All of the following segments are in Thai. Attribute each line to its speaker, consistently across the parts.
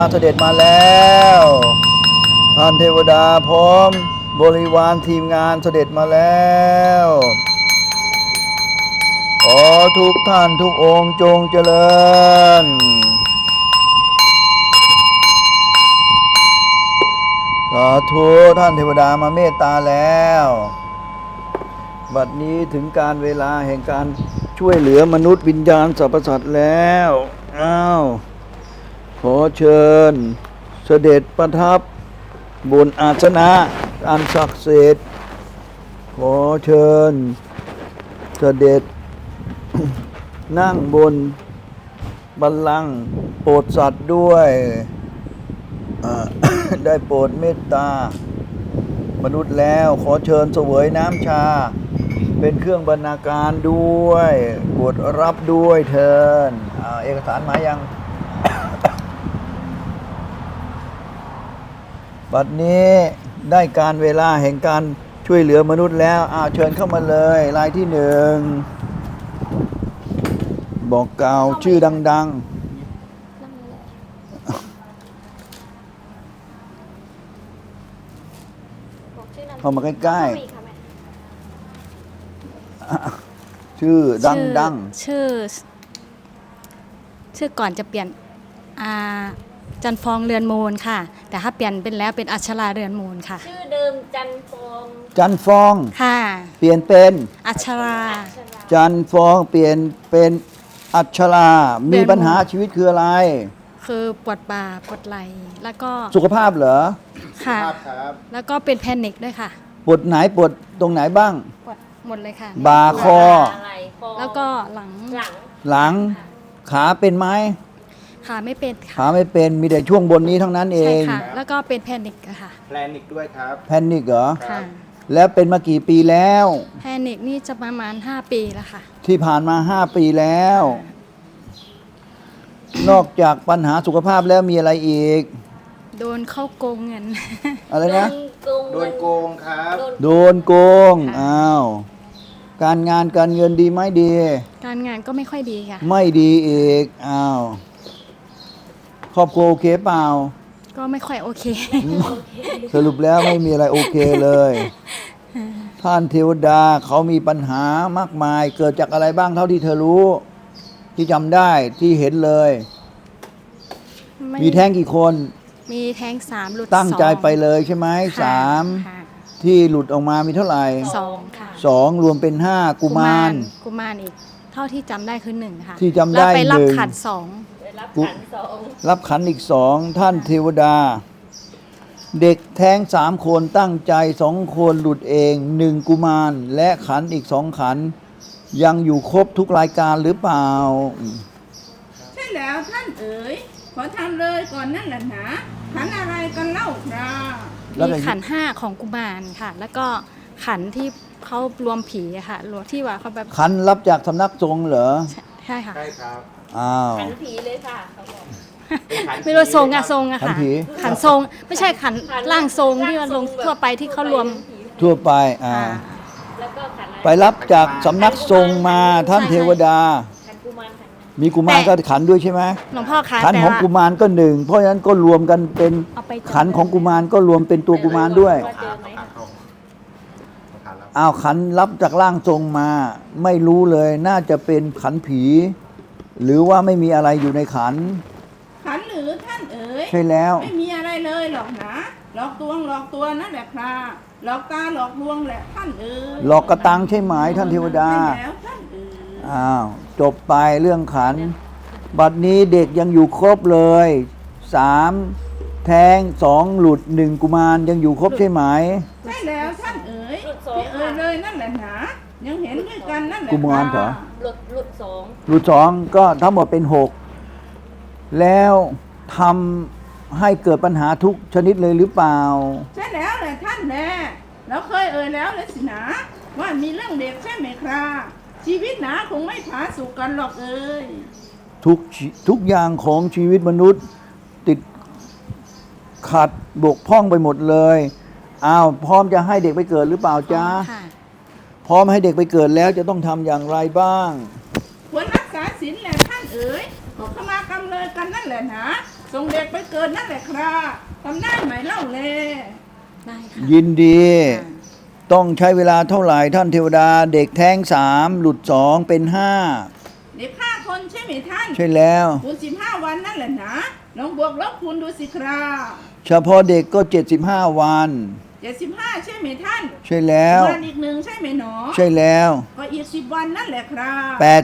Speaker 1: เสด็จมาแล้วท่านเทวดาพร้อมบริวารทีมงานเสด็จมาแล้วขอทุกท่านทุกองค์จงเจริญสาธุท่านเทวดามาเมตตาแล้วบัดนี้ถึงการเวลาแห่งการช่วยเหลือมนุษย์วิญญาณสรรพสัตว์แล้วขอเชิญเสด็จประทับบนอาสนะอันศักดิ์สิทธิ์ขอเชิญเสด็จ นั่งบนบัลลังก์โปรดสัตว์ด้วย ได้โปรดเมตตามนุษย์แล้วขอเชิญเสวยน้ำชาเป็นเครื่องบรรณาการด้วยโปรดรับด้วยเถิดเอกสารมายัง บัดนี้ได้การเวลาแห่งการช่วยเหลือมนุษย์แล้วเชิญเข้ามาเลยรายที่หนึ่งบอกกล่าวชื่อดังๆเข้ามาใกล้ๆชื่อดัง
Speaker 2: ชื่อก่อนจะเปลี่ยนจันฟองเรือนมูลค่ะแต่ถ้าเปลี่ยนเป็นแล้วเป็นอัชราเรือนมูลค่ะ
Speaker 3: ชื่อเดิมจันฟอง
Speaker 2: ค่ะ
Speaker 1: เปลี่ยนเป็น
Speaker 2: อัชรา
Speaker 1: จันฟองเปลี่ยนเป็นอัชรามีปัญหาชีวิตคืออะไร
Speaker 2: คือปวดบ่าปวดไหล่แล้วก็
Speaker 1: สุขภาพเหรอ
Speaker 2: ค่ะแล้วก็เป็นแพนิคด้วยค่ะ
Speaker 1: ปวดไหนปวดตรงไหนบ้าง
Speaker 2: ปวดหมดเลยค่ะ
Speaker 1: บ่าคอ
Speaker 2: แล้วก็ห
Speaker 1: ลังขาเป็นไหม
Speaker 2: ขาไม่เป็นค่ะ
Speaker 1: ขาไม่เป็นมีแต่ช่วงบนนี้ทั้งนั้นเอง
Speaker 2: ใช่ค่ะแล้วก็เป็นแพนิคค่ะ
Speaker 4: แพนิคด้วยครับ
Speaker 1: แพนิคเหรอ
Speaker 2: ค่ะ
Speaker 1: แล้วเป็นมากี่ปีแล้ว
Speaker 2: แพนิคนี่จะประมาณ5 ปีแล้วค่ะ
Speaker 1: ที่ผ่านมา5 ปีแล้วนอกจากปัญหาสุขภาพแล้วมีอะไรอีก
Speaker 2: โดนเข้าโกงเงิน
Speaker 1: อะไรนะ
Speaker 4: โดนโกงครับ
Speaker 1: โดนโกงการงานการเงินดีไหมดี
Speaker 2: การงานก็ไม่ค่อยดีค่ะ
Speaker 1: ไม่ดีอีกครอบครัวโอเคเปล่า
Speaker 2: ก็ไม่ค่อยโอเค
Speaker 1: สรุปแล้วไม่มีอะไรโอเคเลยท่านเทวดาเขามีปัญหามากมายเกิดจากอะไรบ้างเท่าที่เธอรู้ที่จำได้ที่เห็นเลยมีแท้งกี่คน
Speaker 2: มีแท้ง3หลุด
Speaker 1: ตั้งใจไปเลยใช่ไหม3ที่หลุดออกมามีเท่าไหร่
Speaker 2: 2ค่ะ
Speaker 1: 2รวมเป็น5กุมาร
Speaker 2: อีกเท่าที่จำได้คือ1ค่ะ
Speaker 1: ที่จำได้
Speaker 2: แล้วไปรับขัน
Speaker 1: รับขันอีก2ท่านเทวดาเด็กแท้ง3คนตั้งใจ2คนหลุดเอง1กุมารและขันอีก2ขันยังอยู่ครบทุกรายการหรือเปล่า
Speaker 5: ใช่แล้วท่านเอ๋ยขอทำเลยก่อนนั่นแหละนะขันอะไรกันเล่าครับ
Speaker 2: มีขัน5ของกุมารค่ะแล้วก็ขันที่เขารวมผีค่ะรวมที่ว่าเขาแบบ
Speaker 1: ขันรับจากสำนักสงฆ์เหรอ
Speaker 2: ใช่ค่ะ
Speaker 4: ใช่ครับ
Speaker 3: ขันผีเลยค่ะเขาบอก
Speaker 2: ไม่รู้ทรงอะค่ะขันทรงไม่ใช่ขันร่างทรงที่มันลงทั่วไปที่เขารวม
Speaker 1: ทั่วไปไปรับจากสำนักทรงมาท่านเทวดามีกุมารก็ขันด้วยใช่ไหม
Speaker 2: หลวงพ่อ
Speaker 1: ขันของกุมารก็1เพราะฉะนั้นก็รวมกันเป็นขันของกุมารก็รวมเป็นตัวกุมารด้วยขันรับจากร่างทรงมาไม่รู้เลยน่าจะเป็นขันผีหรือว่าไม่มีอะไรอยู่ในขัน
Speaker 5: หรือท่านเอ๋ย
Speaker 1: ใช่แล้ว
Speaker 5: ไม่มีอะไรเลยหรอกนะหลอกตัวนั่นแหละครับหลอกตาหลอกลวงแหละท่านเอ๋ย
Speaker 1: หลอกกระตังใช่ไหมท่านเทวดา
Speaker 5: แล้วท่านเอ๋
Speaker 1: ยจบไปเรื่องขันบัดนี้เด็กยังอยู่ครบเลย3แท้ง2หลุด1กุมารยังอยู่ครบใช่ไหม
Speaker 5: ใช่แล้วท่านเอ๋ยที่เลยนั่นแหละนะยังเห็นด้วยกันนั่นแหละ
Speaker 1: กุมารเหรอ
Speaker 3: ห
Speaker 1: ลุด2ก็ทั้งหมดเป็น6แล้วทำให้เกิดปัญหาทุกชนิดเลยหรือเปล่า
Speaker 5: ใช่แล้วแหละท่านแน่เราเคยแล้วเลยสินะว่ามีเรื่องเด็กใช่ไหมครับชีวิตหนาคงไม่ผาสุกกันหรอกเอ้ย
Speaker 1: ทุกอย่างของชีวิตมนุษย์ติดขัดบกพร่องไปหมดเลยพร้อมจะให้เด็กไปเกิดหรือเปล่าจ๊ะพร้อมให้เด็กไปเกิดแล้วจะต้องทำอย่างไรบ้าง
Speaker 5: ควรรักษาศีลแหละท่านเอ๋ยขอขมากรรมเลยกันนั่นแหละนะส่งเด็กไปเกิดนั่นแหละครับทำได้ไหมเล่าเลย
Speaker 2: ได้ค่ะ
Speaker 1: ยินดี
Speaker 2: ค่ะ
Speaker 1: ต้องใช้เวลาเท่าไหร่ท่านเทวดาเด็กแท้ง3หลุด2เป็น5
Speaker 5: เด็ก5 คนใช่ไหมท่าน
Speaker 1: ใช่แล้ว
Speaker 5: คูณ15 วันนั่นแหละนะลองบวกลบคูณดูสิครับ
Speaker 1: เฉพาะเด็กก็75วัน
Speaker 5: 75ใช่ไหมท่าน
Speaker 1: ใช่แล้ว
Speaker 5: วันอีกหนึ่งใช่ไหมหนอ
Speaker 1: ใช่แล้ว
Speaker 5: ก็อีก10 วันนั่นแหละครับ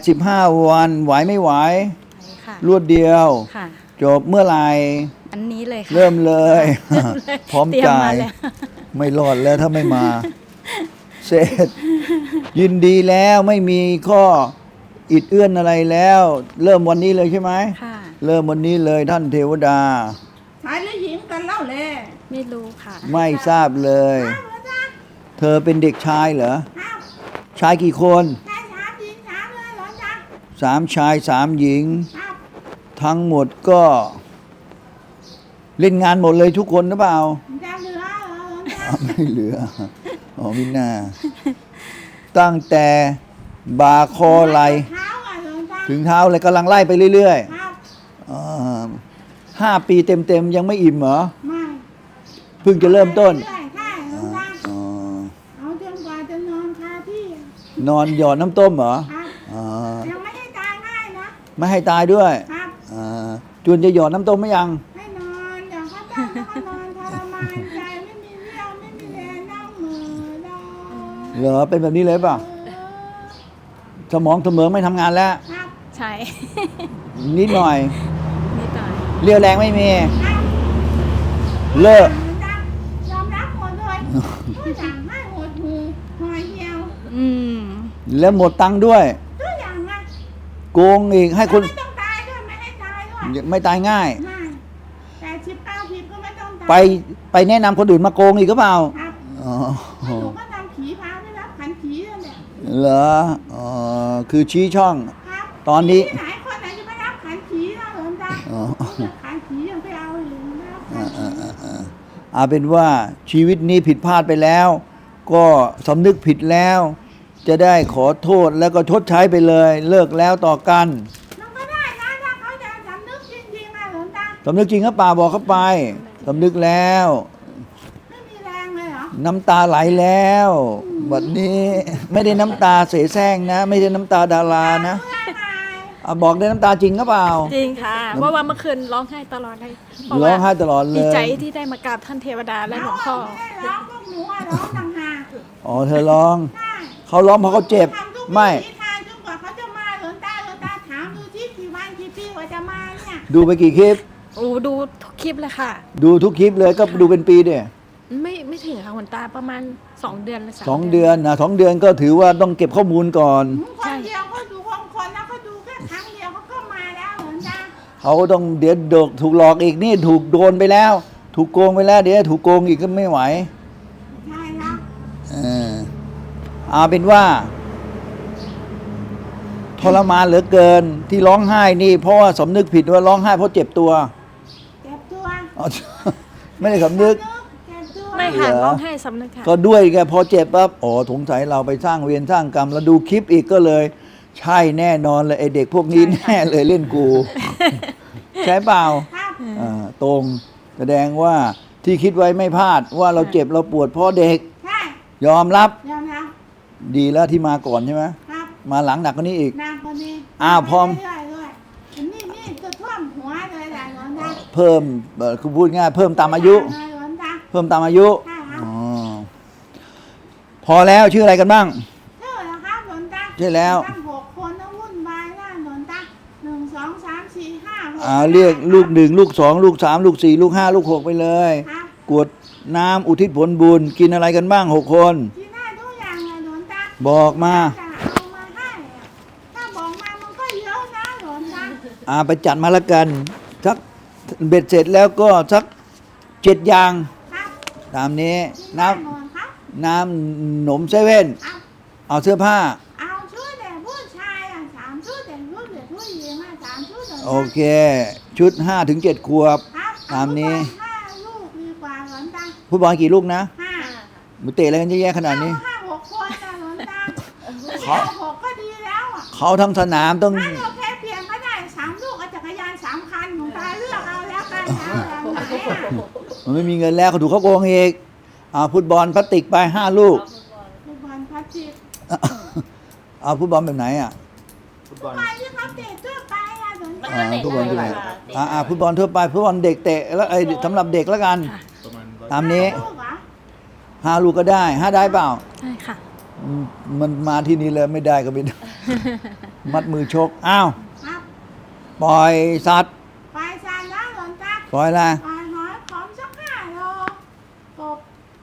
Speaker 1: 85วันไหวไม่ไหว
Speaker 2: ไปค่ะ
Speaker 1: รวดเดียว
Speaker 2: ค่ะ
Speaker 1: จบเมื่อไหร่
Speaker 2: อันนี้เลยค่ะ
Speaker 1: เริ่มเลย พร้อม
Speaker 2: เตย
Speaker 1: จ่าย
Speaker 2: แล้ว
Speaker 1: ไม่รอดแล้วถ้าไม่มา เสร็จ ยินดีแล้วไม่มีข้ออิดเอื้อนอะไรแล้ว เริ่มวันนี้เลยใช่ไหม
Speaker 2: ค่ะ
Speaker 1: เริ่มวันนี้เลยท่านเทวดา
Speaker 5: ชายหรือหญิงกันเล่าเลย
Speaker 2: ไม่รู้ค่ะ
Speaker 1: ไม่ทราบเลย
Speaker 5: ครับหลวงตา
Speaker 1: เธอเป็นเด็กชายเหรอ
Speaker 5: ครับ
Speaker 1: ชายกี่คน
Speaker 5: ชาย3 หญิง3เลยหลวงตา
Speaker 1: 3 ชาย 3 หญิง
Speaker 5: ครับ
Speaker 1: ทั้งหมดก็ เล่นงานหมดเลยทุกคนหรือเปล่า
Speaker 5: จะเหลือเหรอหลวงตา
Speaker 1: ไม่เหลือ อ๋อมิน่า ตั้งแต่บ่าคอไหล
Speaker 5: เท้าอ่ะหลวงตา
Speaker 1: ถึงเท้าเลยกำลังไล่ไปเรื่อย
Speaker 5: ครับ
Speaker 1: ๆ5 ปีเต็มๆยังไม่อิ่มเหรอ
Speaker 5: ไม่
Speaker 1: เพิ่งจะเริ่มต้น
Speaker 5: ใช่ใช่หลวงตา
Speaker 1: อ๋อ
Speaker 5: เอาจนกว่าจะนอนคาที่อ่ะ
Speaker 1: นอนหยอดน้ำต้มเหรอ
Speaker 5: ครับ
Speaker 1: อ๋อ
Speaker 5: ยังไม่ได้ตายง่ายนะ
Speaker 1: ไม่ให้ตายด้วย
Speaker 5: ครับ
Speaker 1: จวนจะหยอดน้ำต้มไหมยัง
Speaker 5: ให้นอนเดี๋ยวเขาตั้งแล้วก็นอนทรมานใจไม่มีเรี่ยวไม่มีแรงนั่งเหม่อดอ
Speaker 1: เหรอเป็นแบบนี้เลยเปล่ะ สมองเสมอไม่ทำงานแล้ว
Speaker 5: ครับ
Speaker 2: ใช่
Speaker 1: นิดหน่อย
Speaker 2: นิดหน่อย
Speaker 1: เรี่ยวแรงไม่มี
Speaker 5: ครับ
Speaker 1: เลิก
Speaker 5: ยอมรับหมดเลยทุกอย่างให้หดหูหอยเหี่ยว
Speaker 2: อืม
Speaker 1: แล้วหมดตังค์ด้วย
Speaker 5: ทุกอย่างอ่ะ
Speaker 1: โกงอีกให้คน
Speaker 5: ไม่ต้องตายด้วยไม่ให้ตายด้วย
Speaker 1: ไม่ตายง่าย
Speaker 5: ไม่แต่19 ผิดก็ไม่ต้องตาย
Speaker 1: ไปแนะนำคนอื่นมาโกงอีกก็เปล่า
Speaker 5: ครับ
Speaker 1: อ๋อ
Speaker 5: หนูก็ทำผีพาไปรับขันผีนั่นแหละ
Speaker 1: เหรออ๋อคือชี้ช่อง
Speaker 5: ครับ
Speaker 1: ตอนนี้
Speaker 5: ที่ไหนคนไหนจะไปรับขันผีนะหลวงตา
Speaker 1: อ๋อ
Speaker 5: ขันผียังไปเอาอยู่นะรับขันผี
Speaker 1: เอาเป็นว่าชีวิตนี้ผิดพลาดไปแล้ว ก็สำนึกผิดแล้ว จะได้ขอโทษแล้วก็ชดใช้ไปเลย เลิกแล้วต่อกัน
Speaker 5: มันก็ได้นะถ้าเขาจะสำนึกจริงๆนะหลวงตา
Speaker 1: สำนึกจริงก็ป่าบอกเข้าไปสำนึกแล้ว
Speaker 5: ไม่มีแรงเลยเหรอ
Speaker 1: น้ำตาไหลแล้วบัดนี้ไม่ได้น้ำตาเสแสร้งนะ ไม่ใช่น้ำตาดารานะ
Speaker 5: เพื่อนไง
Speaker 1: บอกได้น้ำตาจริงก็เปล่า
Speaker 6: จริงค่ะเพราะว่าเมื่อคืนร้องไห้ตลอดเลยเพาะ
Speaker 1: ร้
Speaker 6: ว่า
Speaker 1: องไห้ตลอดเล
Speaker 6: ดี
Speaker 1: ย
Speaker 6: ใจที่ได้มากราบท่านเทวดาและหลวงพ่อ
Speaker 5: ไม่ได้ร้องพวกหนูอะร้องต่างหาก
Speaker 1: อ๋อเธอร้อง
Speaker 5: ใช่
Speaker 1: เขาร้องเพราะเขาเจ็บ
Speaker 5: ทำทุก
Speaker 1: ไม่
Speaker 5: วิถีทางจนกว่าเขาจะมาหลวงตาถามดูที่กี่วันกี่ปีกว่าจะมาเนี่ย
Speaker 1: ดูไปกี่คลิป
Speaker 6: โอ้ดูทุกคลิปเลยค่ะ
Speaker 1: ดูทุกคลิปเลยก็ดูเป็นปีเดีย
Speaker 6: ไม่ถึงค่ะหลวงตาประมาณ 2 เดือนหรือ
Speaker 1: สองเดือนนะ2 เดือนก็ถือว่าต้องเก็บข้อมูลก่อน
Speaker 5: คนเดียวเขาดูบางคนแล้วเขาดูแค่ครั้งเดียวเขาก็มาแล้วหลวงตา
Speaker 1: เขาก็ต้องเดี๋ยวดกถูกหลอกอีกนี่ถูกโดนไปแล้ว ถูกโกงไปแล้ว เดี๋ยวถูกโกงอีกก็ไม่ไหว
Speaker 5: ใช่แล้ว
Speaker 1: เออเอาเป็นว่าทรมานเหลือเกินที่ร้องไห้นี่ เพราะว่าสำนึกผิดว่าร้องไห้เพราะเจ็บตัว
Speaker 5: เจ็บตัว
Speaker 1: อ๋อ ไม่ได้สำนึก
Speaker 5: เจ็บตัว
Speaker 6: ไม่ค่ะ
Speaker 1: เหรอ
Speaker 6: ร้องไห้สำนึกค่ะ
Speaker 1: ก็ด้วยไงพอเจ็บปั๊บอ๋อสงสัยเราไปสร้างเวรสร้างกรรมแล้วดูคลิปอีกก็เลย ใช่แน่นอนเลยไอเด็กพวกนี้แน่เลยเล่นกู ใช่เปล่า
Speaker 5: ครับ
Speaker 1: ตรงแสดงว่าที่คิดไว้ไม่พลาดว่าเราเจ็บเราปวดเพราะเด็ก
Speaker 5: ใช่
Speaker 1: ยอมรับ
Speaker 5: ยอมรับ
Speaker 1: ดีแล้วที่มาก่อนใช่ไหม
Speaker 5: ครับ
Speaker 1: มาหลังหนักกว่านี้อีก
Speaker 5: นางคนนี้
Speaker 1: อ้าวพร้อม
Speaker 5: เรื่อยๆด้วยนี่จะท่วมหัวเลยแหละหลวงตา
Speaker 1: เพิ่มคือพูดง่ายเพิ่มตามอายุ
Speaker 5: หลวงตา
Speaker 1: เพิ่มตามอายุ
Speaker 5: ใช่ครับ
Speaker 1: อ๋อพอแล้วชื่ออะไรกันบ้าง
Speaker 5: ชื่อเหรอครับหลวงตา
Speaker 1: ใช่แล้ว
Speaker 5: ตั้ง6 คนต้องวุ่นวายนะหลวงตา1 2 3 4 5
Speaker 1: เรียกลูก1ลูก2ลูก3ลูก4ลูก5ลูก6ไปเลย
Speaker 5: ครับ
Speaker 1: กรวดน้ำอุทิศผลบุญกินอะไรกันบ้าง6 คน
Speaker 5: ที่ได้ทุกอย่างเลยหลวงตา
Speaker 1: บอกมา
Speaker 5: จะเอามาให้อะถ้าบอกมามันก็เยอะนะหลวงตา
Speaker 1: ไปจัดมาละกันสักเบ็ดเสร็จแล้วก็สัก7 อย่าง
Speaker 5: ครับ
Speaker 1: ตามนี้
Speaker 5: ที่
Speaker 1: น้
Speaker 5: ได้หมดครับ
Speaker 1: ำน้ำหนมเซเว่น
Speaker 5: ครับ
Speaker 1: เอาเสื้อผ้า
Speaker 5: เอาชุดเด็กผู้ชายอ่ะ3 ชุดเด็กผู้หญิงอ่ะ3 ชุดหลวงตา
Speaker 1: โอเค ชุด5 ถึง 7 ขวบ
Speaker 5: ครับ
Speaker 1: ตามนี้
Speaker 5: เอลูกบอล5 ลูกดีกว่าหลวงตา
Speaker 1: ผู้บอลกี่ลูกนะ
Speaker 5: 5
Speaker 1: มุเตะอะไรกันเยอะแยะขนาดนี้
Speaker 5: 5 6 คนนะหลวงตา
Speaker 1: เขา
Speaker 5: 6ก็ดีแล้วอ่ะ
Speaker 1: เขาทั้งสนามต้อง
Speaker 5: ถ้าเราแค่เพียงก็ได้3 ลูกเอาจักรยาน3 คันหลวงตาเลือกเอาแล้วกัน
Speaker 1: มันไม่มีเงินแล้วเขาถูกเขาโกงอีกฟุตบอลพลาสติกไป5 ลูก
Speaker 5: ฟุตบอลพลาสติก
Speaker 1: เอาฟุตบอลแบบไหนอ่ะ
Speaker 4: ฟุตบอล
Speaker 5: ไปที่เขาเตะทั่วไปอะหลวงตา
Speaker 1: ฟุตบอลที่ไหนฟุตบอลทั่วไปฟุตบอลเด็กเตะแล้วสำหรับเด็กแล้วกัน
Speaker 4: ประมาณ
Speaker 1: ตามนี้
Speaker 5: ลูกเหรอ
Speaker 1: 5 ลูกก็ได้5ได้เปล่า
Speaker 6: ได้ค่ะ
Speaker 1: มันมาที่นี่เลยไม่ได้ก็ไม่ได้ มัดมือชกอ้าว
Speaker 5: ครับ
Speaker 1: ปล่อยสัตว์
Speaker 5: ไปซานแล้วหลวงตา
Speaker 1: ปล่อยอะไร
Speaker 5: ปล่อยหอยขอมสัก5 โลกบ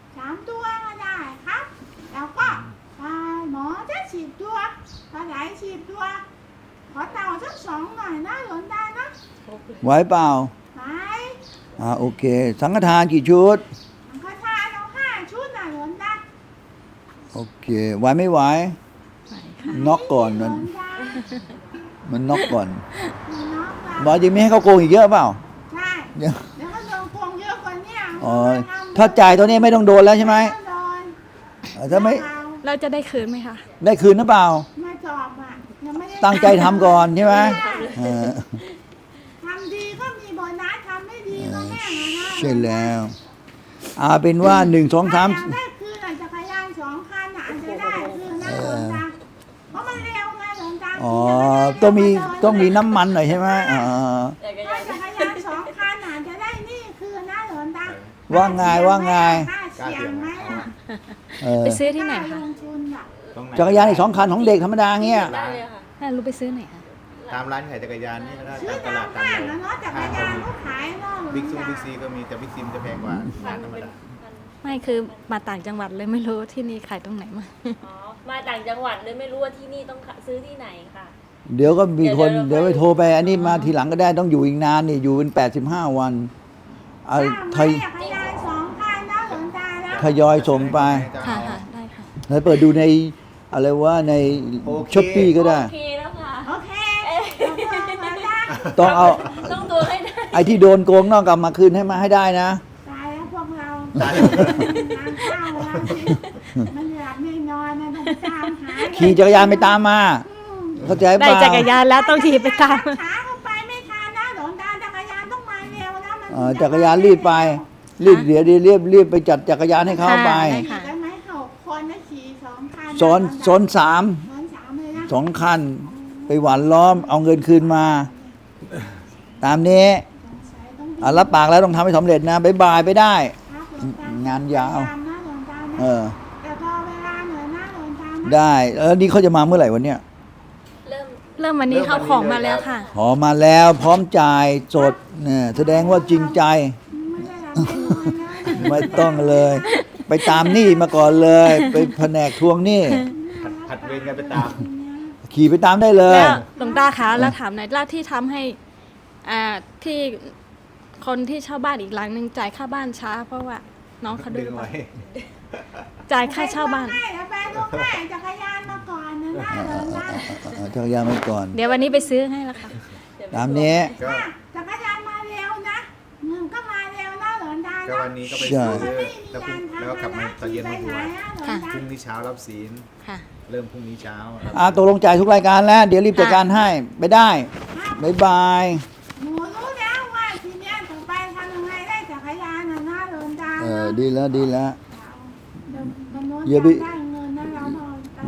Speaker 5: 3 ตัวก็ได้ครับ แล้วก็ปลาหมอจะ10 ตัวปลาไหล10 ตัว ขอเต่าสัก2 หน่อยนะหลวงตานะ
Speaker 1: ไหวเปล่า
Speaker 5: ไป
Speaker 1: โอเค สังฆทานกี่ชุด
Speaker 5: สังฆทานเอา5 ชุดนะหลวงตา
Speaker 1: โอเคไหวไม่ไหว
Speaker 6: ไหวค่ะ
Speaker 1: น็อกก่อน
Speaker 5: หล
Speaker 1: มั
Speaker 5: วน งตา
Speaker 1: มันน็อกก่อน
Speaker 5: น็อกละ
Speaker 1: บอกจะไม่ให้เขาโกงอีกเยอะเปล่า
Speaker 5: ใช่
Speaker 1: เดี๋ยว
Speaker 5: แล้วก็โดนโกงเยอะกว่าเนี้
Speaker 1: อ๋อถ้าจ่ายตัวนี้ไม่ต้องโดนแล้วใช่ไหม
Speaker 5: โดน
Speaker 1: ถ้าไม่
Speaker 6: เราจะได้คืนไหมคะ
Speaker 1: ได้คืนหรือเปล่า
Speaker 5: ไม่จอบอ่ะยังไม่ได้
Speaker 1: ตั้งใจทำก่อนใช่ไหมเออ
Speaker 5: ทำดีก็มีโบนัสทำไม่ดีก็แห้งอะนะ
Speaker 1: ใช่แล้วเป็นว่า1 2
Speaker 5: ถ้าอยาก
Speaker 1: 3
Speaker 5: ได้คืนอะจักรยาน2 คันอะอาจจะได้คืนนะหลวงตาเพราะมันเร็วไงหลวงตา
Speaker 1: อ๋อต้องมีน้ำมันหน่อยใช่ไหม
Speaker 5: ถ้าจักรยาน2 คันอาจจะได้นี่คืนนะหลวงตา
Speaker 1: ว่าไงว่าไง
Speaker 5: ค่าเสียงไหมอะ
Speaker 6: ไปซื้อที่ไหน
Speaker 5: ค่า
Speaker 6: คะ
Speaker 5: ลงทุนอะ
Speaker 4: ตรงไหน
Speaker 1: จักรยานอีก2 คันของเด็กธรรมดาเงี้ย
Speaker 3: ได้เลยค่ะ
Speaker 6: ถ้ารู้ไปซื้อไหนคะ
Speaker 4: ตามร้านขายจักรยานนี่ก็ได้
Speaker 5: ซื้อ
Speaker 4: ตามต
Speaker 5: ตา
Speaker 4: ลาม ดตาม
Speaker 5: ห้าง
Speaker 4: เรา
Speaker 5: นะเนาะจักรยานก็ขายเนาะหลว
Speaker 4: บิ๊ก
Speaker 5: ง
Speaker 4: ซู
Speaker 5: ตา
Speaker 4: บิ๊กซีก็มีแต่บิ๊กซีมันจะแพงกว่าร้านธรรมดา
Speaker 6: ไม่คือมาต่างจังหวัดเลยไม่รู้ที่นี่ขายตรงไหนมา
Speaker 3: อ๋อ มาต่างจังหวัดเลยไม่รู้ว่าที่นี่ต้องซื้อที่ไหนค่ะ
Speaker 1: เดี๋ยวก็มีคน
Speaker 3: เดี๋
Speaker 1: เดี๋ย
Speaker 3: ยวว
Speaker 1: ไปโทรไปอันนี้มาทีหลังก็ได้ต้องอยู่อีกนานนี่อยู่เป็น85 วันเอาทย
Speaker 5: จักรยาน2 คันนะหลวงตานะ
Speaker 1: ทยอยส่งไป
Speaker 6: ค่ะค่ะได้ค่ะ
Speaker 1: แล้วเปิดดูในอะไรว่าในช้อปปี้ก็ได้
Speaker 3: โอเคแล้วค่ะ
Speaker 5: โอเคขอบคุณหลวงตา
Speaker 1: ต้องเอา
Speaker 3: ต้องดูให้ได้
Speaker 1: ไอ้ที่โดนโกงนอกกลับมาคืนให้ได้นะ
Speaker 5: ตายแล้วพวกเรา
Speaker 4: ตาย
Speaker 5: ทานข้าวแล้วสิมันหลับไม่นอนนะต้องตามหา
Speaker 1: ขี่จักรยานไปตามมา เข้าใจ
Speaker 6: ได้
Speaker 1: เปล่า
Speaker 6: จักรยานแล้วต้องขี่ไปตาม
Speaker 5: ขาเข้าไปไม่ทันนะหลวงตาจักรยานต้องมาเร็วนะมัน
Speaker 1: จักรยานรีบไปรีบเดี๋ยวรีบไปจัดจักรยานให้เขาไป
Speaker 6: ได้ค่ะ
Speaker 5: ได้ไหม6 คนนะขี่2 คัน
Speaker 1: ซ้อน3
Speaker 5: ซ้อนสามเลยนะ
Speaker 1: 2 คัน ไปหวานล้อมเอาเงินคืนมา ตามนี้รับปากแล้วต้องทำให้สำเร็จนะบ๊ายบายไปได้
Speaker 5: ครับหลวงต
Speaker 1: งานยาว
Speaker 5: ตมนะหลวงตานะ
Speaker 1: เออ
Speaker 5: แต่พอเวลาเหนื่อยนะหลวงตานะ
Speaker 1: ได้นี่เขาจะมาเมื่อไหร่วันเนี้ย
Speaker 3: เริ่ม
Speaker 6: เริ่มวันนี้เขาของมาแล้วค่ะ
Speaker 1: ขอมาแล้วพร้อมจ่ายสดเนี่ยแสดงว่าจริงใจ
Speaker 5: ไม่ได้หลับไม่นอนแล้วนะ
Speaker 1: ไม่ต้องเลย ไปตามหนี้มาก่อนเลย ไปแผนกทวงหนี้
Speaker 4: ผัดเวรกันไปตาม
Speaker 1: ขี่ไปตามได้เลย
Speaker 6: แล้วหลวงตาคะแล้วถามหน่อยแล้วที่ทำให้ที่คนที่เช่าบ้านอีกหลังหนึ่งจ่ายค่าบ้านช้า เพราะว่าน้องเขาดื้
Speaker 4: ดึ
Speaker 6: อง หรือเป
Speaker 4: ไว้
Speaker 6: ล่าจ่ายค่าเช่าบ้าน
Speaker 5: ไปดูให้จักรยานมาก่อนนะนะหลวงตา
Speaker 1: จักรยานไปก่อน
Speaker 6: เดี๋ยววันนี้ไปซื้อให้แล้วค่ะ
Speaker 1: ตามนี้
Speaker 4: ก็
Speaker 5: จักรยานมาเร็วนะเงินก็มาเร็วนะหลวงตา
Speaker 4: ก็
Speaker 5: นะ
Speaker 4: วันนี้ก็ไป
Speaker 1: ใช่
Speaker 4: ซื้อแล้วก็กลับมาตอนเย็นมาบวช
Speaker 6: ค่ะ
Speaker 4: พรุ่งนี้เช้ารับศีล
Speaker 6: ค่ะ
Speaker 4: เริ่มพรุ่งนี้เช้า
Speaker 1: ตกลงจ่ายทุกรายการแล้ว เดี๋ยวรีบจัดการให้ไปได้บ๊ายบาย
Speaker 5: หนูรู้แล้วว่าทีเนี้ยต่อไปทำยังไงได้จักรยานนะนะหลวงตา
Speaker 1: ดีแล้วดีแล้ว
Speaker 5: อ
Speaker 1: อย่า
Speaker 5: ย่า
Speaker 1: ไป
Speaker 5: ไปได้เงินนะเราหน่อย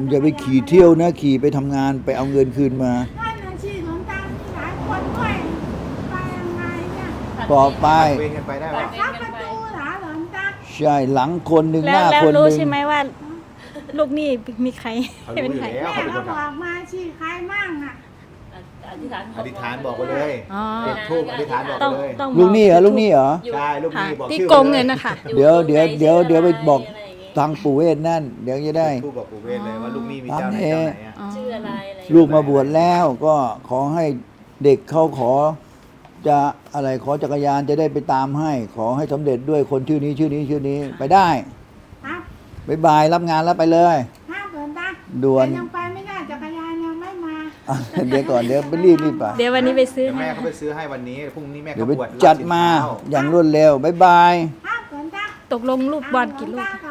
Speaker 1: อย่าไปขี่เที่ยวนะขี่ไปทำงานไปเอาเงินคืนมา
Speaker 5: นั่นนะชีหลวงตามีหลายคนด้วยไปยังไงเนี่ย
Speaker 1: ต่อไป
Speaker 4: เวรกันไปได้ป่ะ
Speaker 5: เข้าประตูเหรอหลวงตา
Speaker 1: ใช่หลังคนหนึ่งห
Speaker 6: แล้ว
Speaker 1: น้า
Speaker 6: แล้ว
Speaker 1: คนห
Speaker 6: รู้
Speaker 1: นึ่ง
Speaker 6: ใช่ไหมว่า ลูกหนี้มีใคร
Speaker 4: เขา
Speaker 6: เป็
Speaker 4: รู้
Speaker 6: น
Speaker 4: อยู่
Speaker 6: ใคร
Speaker 4: แล้ว
Speaker 5: แม่
Speaker 4: เขาเป็น
Speaker 5: ก็
Speaker 4: คน
Speaker 5: บ
Speaker 4: ท
Speaker 5: อกมาชีใครมั่งอ่ะ
Speaker 3: อธิษฐาน
Speaker 4: ำอธิษฐานบอกไปเลย
Speaker 6: อ๋อ
Speaker 4: จุดทูบอธิษฐานบอก
Speaker 6: ต้อง
Speaker 4: ไปเลย
Speaker 6: ต้อง
Speaker 1: ลูกหนี้เหรอลูกหนี้เหรอ
Speaker 4: ใช่ลูก
Speaker 6: ค่ะ
Speaker 4: นี้บอก
Speaker 6: ที่
Speaker 4: ชื่อ
Speaker 6: โกงเงินนะคะ
Speaker 1: เดี๋ยวไปบอกทางปู่เวทนั่น เดี๋ยวจะได้
Speaker 4: ทูบบอกปู่เวทเลยว่าลูกนี้มีเจ้าไหนเจ้าไหนอ่ะ
Speaker 6: อ๋อ
Speaker 3: ชื่ออะไรอะไร
Speaker 1: ลูกมาบวชแล้วก็ขอให้เด็กเขาขอจะอะไรขอจักรยานจะได้ไปตามให้ ขอให้สำเร็จด้วยคนชื่อนี้ชื่อนี้ชื่อนี้ไปได้
Speaker 5: ครับ
Speaker 1: บ๊ายบายรับงานแล้วไปเลย
Speaker 5: ห้ามหลวงตา
Speaker 1: ด่วน
Speaker 5: แต่ยังไปไม่ได้จักรยานยังไม่มา
Speaker 1: เดี๋ยวก่อนเดี๋ยวไปรีบไป
Speaker 6: เดี๋ยววันนี้ไปซื้อ
Speaker 4: เดี๋ยว
Speaker 6: ให้
Speaker 4: แม่เขาไปซื้อให้วันนี้พรุ่งนี้แม่
Speaker 1: เดี๋ย
Speaker 4: เขา
Speaker 1: วไป
Speaker 4: บวช
Speaker 1: จัดมา
Speaker 4: รับศีลเช้
Speaker 1: อย่างรวดเร็วบ๊ายบาย
Speaker 5: ห้ามหลวงตา
Speaker 6: ตกลงลูกบอลกี่ลูก
Speaker 5: ห้ามหวงตา